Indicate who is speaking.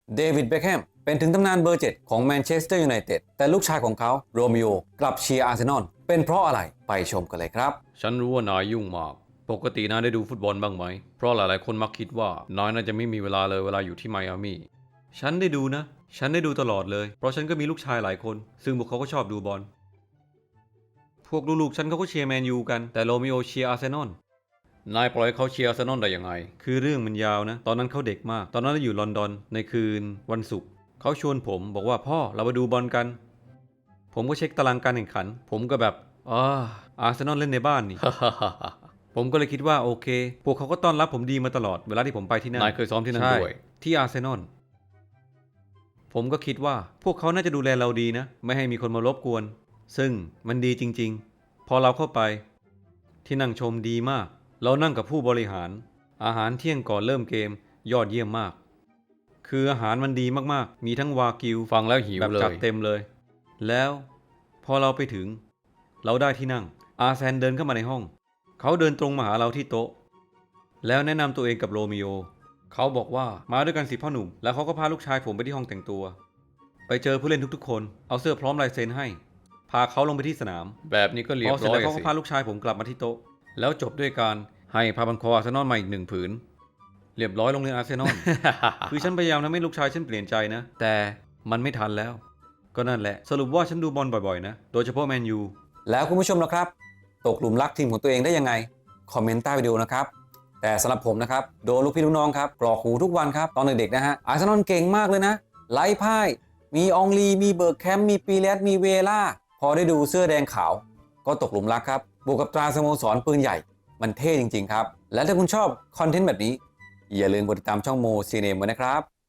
Speaker 1: เดวิด เบ็คแฮมเป็นถึงตำนานเบอร์ 7 ของแมนเชสเตอร์ยูไนเต็ดแต่ลูกชายของเขาโรมิโอกลับเชียร์อาร์เซนอลเป็นเพราะอะไรไปชมกันเลยครับ
Speaker 2: ฉันรู้ว่านายยุ่งมากปกตินายได้ดูฟุตบอลบ้างไหมเพราะหลายๆคนมักคิดว่านายน่าจะไม่มีเวลาเลยเวลาอยู่ที่ไมอามี่ฉันได้ดูนะฉันได้ดูตลอดเลยเพราะฉันก็มีลูกชายหลายคนซึ่งพวกเขาก็ชอบดูบอลพวกลูกๆฉันเขาก็เชียร์แมนยูกันแต่โรมิโอเชียร์อาร์เซนอลนายปล่อยเขาเชียร์อาร์เซนอลได้ยังไงคือเรื่องมันยาวนะตอนนั้นเขาเด็กมากตอนนั้นเราอยู่ลอนดอนในคืนวันศุกร์เขาชวนผมบอกว่าพ่อเราไปดูบอลกันผมก็เช็คตารางการแข่งขันผมก็แบบอาร์เซนอลเล่นในบ้านนี่ ผมก็เลยคิดว่าโอเคพวกเขาก็ต้อนรับผมดีมาตลอดเวลาที่ผมไปที่นั่นนายเคยซ้อมที่นั่นด้วยที่อาร์เซนอลผมก็คิดว่าพวกเขาน่าจะดูแลเราดีนะไม่ให้มีคนมารบกวนซึ่งมันดีจริงๆพอเราเข้าไปที่นั่งชมดีมากเรานั่งกับผู้บริหารอาหารเที่ยงก่อนเริ่มเกมยอดเยี่ยมมากคืออาหารมันดีมากๆมีทั้งวากิวฟังแล้วหิวเลยแบบจัดเต็มเลยแล้วพอเราไปถึงเราได้ที่นั่งอาร์เซนเดินเข้ามาในห้องเขาเดินตรงมาหาเราที่โต๊ะแล้วแนะนำตัวเองกับโรมิโอเขาบอกว่ามาด้วยกันสิพ่อหนุ่มแล้วเขาก็พาลูกชายผมไปที่ห้องแต่งตัวไปเจอผู้เล่นทุกๆคนเอาเสื้อพร้อมลายเซ็นให้พาเขาลงไปที่สนามแบบนี้ก็เรียบร้อยพอเสร็จแล้วเขาก็พาลูกชายผมกลับมาที่โต๊ะแล้วจบด้วยการให้ผ้าพันคออาร์เซนอลมาอีก1 ผืนเรียบร้อยโรงเรียนอาร์เซนอล คือฉันพยายามทำให้ลูกชายฉันเปลี่ยนใจนะแต่มันไม่ทันแล้วก็นั่นแหละสรุปว่าฉันดูบอลบ่อยๆนะโดยเฉพาะแมนยู
Speaker 1: แล้วคุณผู้ชมนะครับตกหลุมรักทีมของตัวเองได้ยังไงคอมเมนต์ใต้วิดีโอนะครับแต่สำหรับผมนะครับโดนลูกพี่ลูกน้องครับกรอกหูทุกวันครับตอนเด็กๆนะฮะอาร์เซนอลเก่งมากเลยนะไร้พ่ายมีอองลีมีเบิร์กแคมป์มีปีเลสมีเวล่าพอได้ดูเสื้อแดงขาวก็ตกหลุมรักครับบวกกับตราสโมสรปืนใหญ่มันเท่จริงๆครับและถ้าคุณชอบคอนเทนต์แบบนี้อย่าลืมกดติดตามช่องโมซีเนมไว้นะครับ